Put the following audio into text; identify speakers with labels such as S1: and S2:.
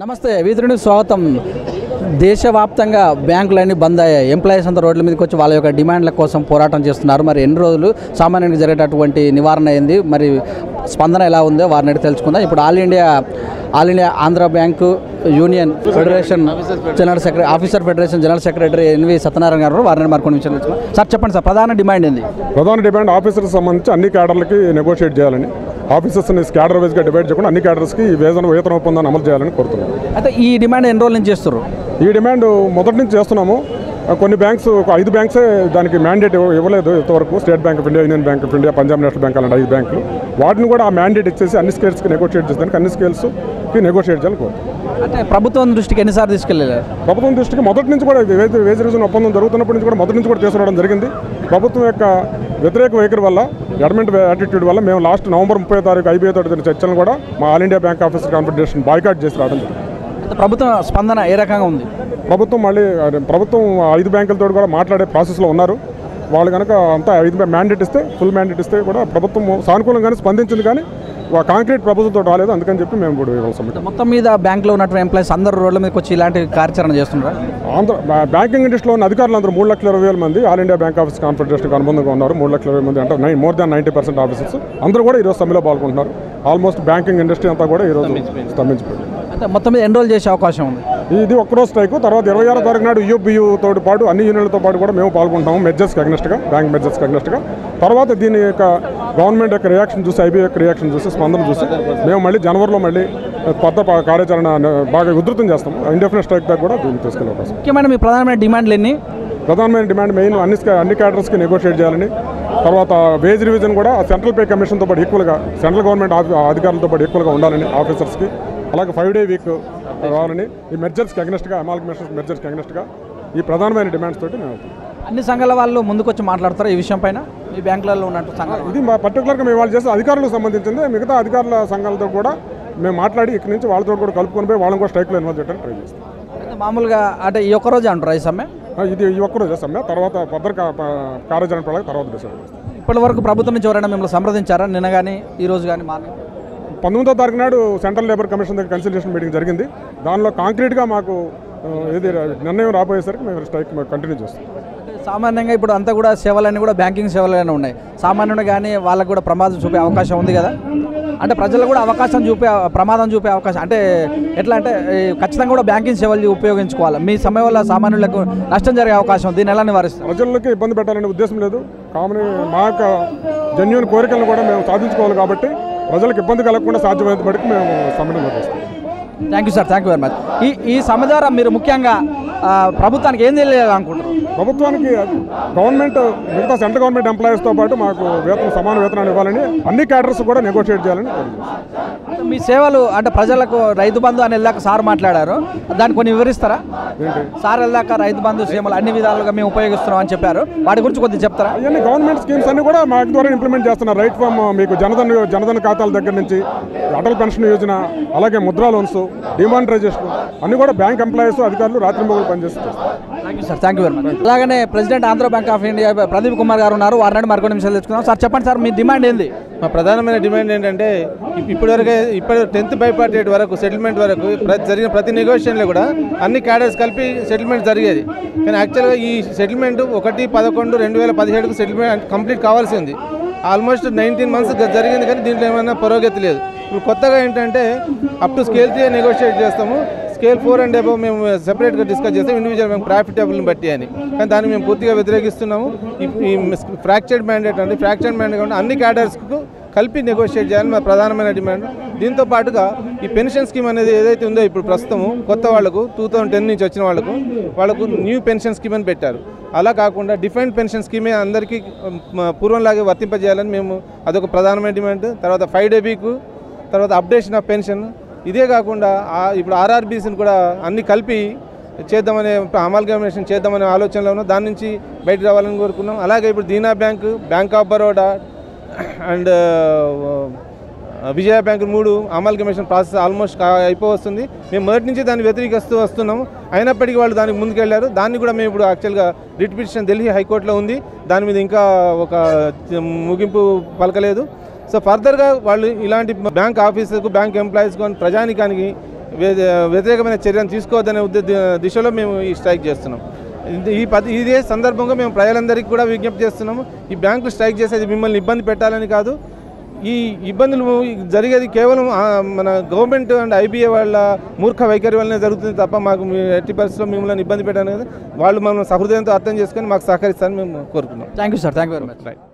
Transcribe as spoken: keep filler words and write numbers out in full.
S1: నమస్తే వీధుడికి స్వాగతం. దేశవ్యాప్తంగా బ్యాంకులన్నీ బంద్ అయ్యాయి. ఎంప్లాయీస్ అంతా రోడ్ల మీదకి వచ్చి వాళ్ళ యొక్క డిమాండ్ల కోసం పోరాటం చేస్తున్నారు. మరి ఎన్ని రోజులు సామాన్యంగా జరిగేటటువంటి నివారణ అయింది, మరి స్పందన ఎలా ఉందో వారిని అడిగి తెలుసుకుందాం. ఇప్పుడు all India all India Andhra bank union federation general secretary officer federation general secretary NV Satyanarayana garu వారిని మరికొన్ని విషయాలు తెలుసుకుందాం. సార్ చెప్పండి సార్, ప్రధాన డిమాండ్ ఏంది?
S2: ప్రధాన డిమాండ్ ఆఫీసర్కి సంబంధించి అన్ని క్యాడర్లకి నెగోషియేట్ చేయాలని, ఆఫీసర్స్ని క్యాడర్ వైజ్గా డివైడ్ చేయకుండా అన్ని క్యాడర్స్కి వేతన వేతన ఒప్పందాన్ని అమలు చేయాలని కోరుతున్నాం.
S1: అయితే ఈ డిమాండ్ ఎన్ని రోజుల నుంచి చేస్తారు?
S2: ఈ డిమాండ్ మొదటి నుంచి చేస్తున్నాము. కొన్ని బ్యాంక్స్ ఒక ఐదు బ్యాంక్సే దానికి మ్యాండేట్ ఇవ్వలేదు ఇంతవరకు. State Bank of India, Union Bank of India, Punjab National Bank అలాంటి ఐదు బ్యాంకులు వాటిని కూడా ఆ మ్యాండేట్ ఇచ్చేసి అన్ని స్కేల్స్కి నెగోషియేట్ చేసేదానికి అన్ని స్కేల్స్కి నెగోషియేట్ చేయాలని కోరుతున్నాం.
S1: అంటే ప్రభుత్వం దృష్టికి ఎన్నిసార్లు తీసుకెళ్ళారు?
S2: ప్రభుత్వం దృష్టికి మొదటి నుంచి కూడా వేజ్ వేజ్ రివిజన్ ఒప్పందం జరుగుతున్నప్పటి నుంచి కూడా మొదటి నుంచి కూడా తీసుకురావడం జరిగింది. ప్రభుత్వం యొక్క వ్యతిరేక వైఖరి వల్ల, గవర్నమెంట్ యాటిట్యూడ్ వల్ల మేము లాస్ట్ నవంబర్ ముప్పై తారీఖు ఐబీఐ తోటి చర్చలను కూడా మా all India bank officer confederation boycott చేసి రావడం జరిగింది.
S1: ప్రభుత్వం స్పందన ఏ రకంగా ఉంది?
S2: ప్రభుత్వం మళ్ళీ ప్రభుత్వం ఐదు బ్యాంకులతో కూడా మాట్లాడే ప్రాసెస్లో ఉన్నారు. వాళ్ళు కనుక అంతా ఐదు మ్యాండేట్ ఇస్తే, ఫుల్ మ్యాండేట్ ఇస్తే కూడా ప్రభుత్వం సానుకూలంగానే స్పందించింది, కానీ కాంక్రీట్ ప్రపోజల్తో రాలేదు. అందుకని చెప్పి మేము ఇప్పుడు ఇవ్వాలి.
S1: మొత్తం మీద బ్యాంకులో ఉన్నటువంటి ఎంప్లాయీస్ అందరూ రోడ్ల మీదకి వచ్చి ఇలాంటి కార్యాచరణ చేస్తున్నారు.
S2: ఆంధ్ర బ్యాంకింగ్ ఇండస్ట్రీలో ఉన్న అధికారులు అందరూ మూడు లక్షల ఇరవై వేల మంది ఆల్ ఇండియా బ్యాంక్ ఆఫీస్ కాన్ఫెడరేషన్కి అనుబంధంగా ఉన్నారు. మూడు లక్షల ఇరవై మంది అంటే nine more than ninety percent officers అందరూ కూడా ఈరోజు సమ్మెలో పాల్గొంటున్నారు. ఆల్మోస్ట్ బ్యాంకింగ్ ఇండస్ట్రీ అంతా కూడా ఈరోజు స్తంభించిపోయింది.
S1: అంటే మొత్తం మీద ఎన్రోల్ చేసే అవకాశం ఉంది.
S2: ఇది ఒక్కరోజు స్ట్రైక్. తర్వాత ఇరవై ఆరో తారీఖు నాడు యూబీయూతో పాటు అన్ని యూనియన్లతో పాటు కూడా మేము పాల్గొంటాము, మెజర్స్కి అగ్నెస్ట్గా, బ్యాంక్ మెజర్స్కి అగ్నెస్ట్గా. తర్వాత దీని యొక్క గవర్నమెంట్ యొక్క రియాక్షన్ చూసి, ఐబీఐ యొక్క రియాక్షన్ చూసి, స్పందన చూసి మేము మళ్ళీ జనవరిలో మళ్ళీ కొత్త కార్యాచరణ బాగా ఉధృతం చేస్తాము. ఇండెఫినెట్ స్ట్రైక్ దాకా కూడా దీన్ని తీసుకెళ్ళే అవకాశం.
S1: ముఖ్యమైన మీ ప్రధానమైన డిమాండ్లు ఎన్ని?
S2: ప్రధానమైన డిమాండ్ మెయిన్ అన్ని అన్ని క్యాడర్స్కి నెగోషియేట్ చేయాలని, తర్వాత వేజ్ రివిజన్ కూడా సెంట్రల్ పే కమిషన్తో పాటు ఈక్వల్గా, సెంట్రల్ గవర్నమెంట్ అధికారులతో పాటు ఈక్వల్గా ఉండాలని ఆఫీసర్స్కి, అలాగే ఫైవ్ డే వీక్ రావాలని, ఈ మెర్జర్స్కి అగ్నెస్ట్గా, అమాల్గమేషన్ మెర్జర్స్కి అగ్నెస్ట్గా ఈ ప్రధానమైన డిమాండ్స్ తోటి మేము
S1: అన్ని సంఘాల వాళ్ళు ముందుకొచ్చి మాట్లాడతారు ఈ విషయం పైన. ఈ బ్యాంకులలో ఉన్నట్టు సంఘాలు
S2: ఇది మా పర్టికులర్గా మేము వాళ్ళు చేసే అధికారులకు సంబంధించింది. మిగతా అధికారుల సంఘాలతో కూడా మేము మాట్లాడి ఇక్కడి నుంచి వాళ్ళతో కూడా కలుపుకొని పోయి వాళ్ళని కూడా స్ట్రైక్లో ఇన్వాల్వ్ చేయడానికి ట్రై చేస్తాం.
S1: అయితే మామూలుగా అంటే ఈ ఒక్క రోజు అంటారు ఈ సమ్మె?
S2: ఇది ఈ ఒక్కరోజు సమ్మె, తర్వాత భద్ర కార్యాచరణ ప్రణాళిక తర్వాత డిసైడ్ చేస్తాం.
S1: ఇప్పటి వరకు ప్రభుత్వం నుంచి ఎవరైనా మిమ్మల్ని సంప్రదించారా నిన్న కానీ ఈ రోజు కానీ? మార్నింగ్
S2: పంతొమ్మిదో తారీఖు నాడు సెంట్రల్ లేబర్ కమిషన్ దగ్గర కన్సల్టేషన్ మీటింగ్ జరిగింది. దానిలో కాంక్రీట్గా మాకు ఏది నిర్ణయం రాబోయేసరికి మేము స్ట్రైక్ కంటిన్యూ చేస్తాం.
S1: సామాన్యంగా ఇప్పుడు అంతా కూడా సేవలన్నీ కూడా బ్యాంకింగ్ సేవలనే ఉన్నాయి. సామాన్యుడు కానీ వాళ్ళకు కూడా ప్రమాదం చూపే అవకాశం ఉంది కదా. అంటే ప్రజలు కూడా అవకాశం చూపే ప్రమాదం చూపే అవకాశం అంటే ఎట్లా అంటే ఖచ్చితంగా కూడా బ్యాంకింగ్ సేవలు ఉపయోగించుకోవాలి. మీ సమయం వల్ల సామాన్యులకు నష్టం జరిగే అవకాశం, దీన్ని ఎలా నివారిస్తారు?
S2: ప్రజలకి ఇబ్బంది పెట్టాలనే ఉద్దేశం లేదు. కామన్ మా యొక్క జెన్యూన్ కోరికలను కూడా మేము సాధించుకోవాలి కాబట్టి ప్రజలకు ఇబ్బంది కలగకుండా సాధ్యమైనంత బట్టి మేము సమ్మెను నిర్వహిస్తాం.
S1: Thank you sir, thank you very much. ఈ ఈ సమ్మె ద్వారా మీరు ముఖ్యంగా ప్రభుత్వానికి ఏం తెలియాలనుకుంటారు?
S2: ప్రభుత్వానికి గవర్నమెంట్ మిగతా సెంట్రల్ గవర్నమెంట్ ఎంప్లాయీస్తో పాటు మాకు వేతనం సమాన వేతనాన్ని ఇవ్వాలని, అన్ని క్యాడర్స్ కూడా నెగోషియేట్ చేయాలని.
S1: మీ సేవలు అంటే ప్రజలకు రైతు బంధు అని వెళ్ళాక సార్ మాట్లాడారు, దాన్ని కొన్ని వివరిస్తారా? సార్ వెళ్ళాక రైతు బంధు సేవలు అన్ని విధాలుగా మేము ఉపయోగిస్తున్నాం అని చెప్పారు, వాటి గురించి కొద్దిగా చెప్తారా?
S2: అవన్నీ గవర్నమెంట్ స్కీమ్స్ అన్ని కూడా మా ద్వారా ఇంప్లిమెంట్ చేస్తున్నారు. రైట్ ఫ్రమ్ మీకు జనధన్ జనధన్ ఖాతాల దగ్గర నుంచి అటల్ పెన్షన్ యోజన, అలాగే ముద్రా లోన్స్, డిమానిటైజేషన్ అన్ని కూడా బ్యాంక్ ఎంప్లాయీస్ అధికారులు రాత్రింబగలు పనిచేస్తారు.
S1: Thank you sir, thank you very much. అలాగనే president Andhra bank of India Pradeep Kumar garu ఉన్నారు, వారిని మరికొన్ని నిమిషాలు తెచ్చుకుందాం. సార్ చెప్పండి సార్, మీ డిమాండ్ ఏంది?
S3: మా ప్రధానమైన డిమాండ్ ఏంటంటే ఇప్పటివరకు ఇప్పుడు టెన్త్ బైపార్ట్ డేట్ వరకు సెటిల్మెంట్ వరకు జరిగిన ప్రతి నెగోషియేషన్లో కూడా అన్ని క్యాడర్స్ కలిపి సెటిల్మెంట్ జరిగేది. కానీ యాక్చువల్గా ఈ సెటిల్మెంట్ ఒకటి పదకొండు రెండు వేల పదిహేడుకు సెటిల్మెంట్ కంప్లీట్ కావాల్సి ఉంది. ఆల్మోస్ట్ నైన్టీన్ మంత్స్ జరిగింది, కానీ దీంట్లో ఏమైనా పురోగతి లేదు. ఇప్పుడు కొత్తగా ఏంటంటే up to scale three negotiate చేస్తాము, స్కేల్ ఫోర్ అండ్ అబవ్ మేము సెపరేట్గా డిస్కస్ చేస్తాం ఇండివిజువల్ మేము ప్రాఫిటబుల్ని బట్టి అని. కానీ దాన్ని మేము పూర్తిగా వ్యతిరేకిస్తున్నాము. ఈ ఫ్రాక్చర్డ్ మ్యాండేట్ అంటే ఫ్రాక్చర్డ్ మ్యాండేట్ అంటే అన్ని క్యాడర్స్కు కలిపి నెగోషియేట్ చేయాలని మా ప్రధానమైన డిమాండ్. దీంతో పాటుగా ఈ పెన్షన్ స్కీమ్ అనేది ఏదైతే ఉందో ఇప్పుడు ప్రస్తుతము కొత్త వాళ్లకు టూ థౌసండ్ టెన్ నుంచి వచ్చిన వాళ్ళకు వాళ్ళకు న్యూ పెన్షన్ స్కీమ్ అని పెట్టారు. అలా కాకుండా డిఫరెంట్ పెన్షన్ స్కీమే అందరికీ పూర్వంలాగే వర్తింపజేయాలని మేము అదొక ప్రధానమైన డిమాండ్. తర్వాత ఫైవ్ డే వీక్, తర్వాత అప్డేషన్ ఆఫ్ పెన్షన్, ఇదే కాకుండా ఇప్పుడు ఆర్ఆర్బీసీని కూడా అన్ని కలిపి చేద్దామనే అమాల్గమేషన్ చేద్దామనే ఆలోచనలో ఉన్నాం. దాని నుంచి బయటకు రావాలని కోరుకున్నాం. అలాగే ఇప్పుడు Dena bank, bank of Baroda and Vijaya bank మూడు అమాల్గమేషన్ ప్రాసెస్ ఆల్మోస్ట్ అయిపోవస్తుంది. మేము మొదటి నుంచి దాన్ని వ్యతిరేకిస్తూ వస్తున్నాము. అయినప్పటికీ వాళ్ళు దానికి ముందుకెళ్లారు. దాన్ని కూడా మేము ఇప్పుడు యాక్చువల్గా రిట్ పిటిషన్ ఢిల్లీ హైకోర్టులో ఉంది, దాని మీద ఇంకా ఒక ముగింపు పలకలేదు. సో ఫర్దర్గా వాళ్ళు ఇలాంటి బ్యాంక్ ఆఫీసర్కు, బ్యాంక్ ఎంప్లాయీస్కు, ప్రజానికానికి వ్యతిరేకమైన చర్యను తీసుకోవద్దనే ఉద్దేశ దిశలో మేము ఈ స్ట్రైక్ చేస్తున్నాం. ఈ పది ఇదే సందర్భంగా మేము ప్రజలందరికీ కూడా విజ్ఞప్తి చేస్తున్నాము. ఈ బ్యాంకులు స్ట్రైక్ చేసేది మిమ్మల్ని ఇబ్బంది పెట్టాలని కాదు. ఈ ఇబ్బందులు జరిగేది కేవలం మన గవర్నమెంట్ అండ్ ఐబీఏ వాళ్ళ మూర్ఖ వైఖరి వల్లనే జరుగుతుంది తప్ప మాకు ఎట్టి పరిస్థితుల్లో మిమ్మల్ని ఇబ్బంది పెట్టాలని వాళ్ళు మనం సహృదయంతో అర్థం చేసుకొని మాకు సహకరిస్తారని మేము కోరుకున్నాం.
S1: Thank you sir, thank you very much.
S3: Right.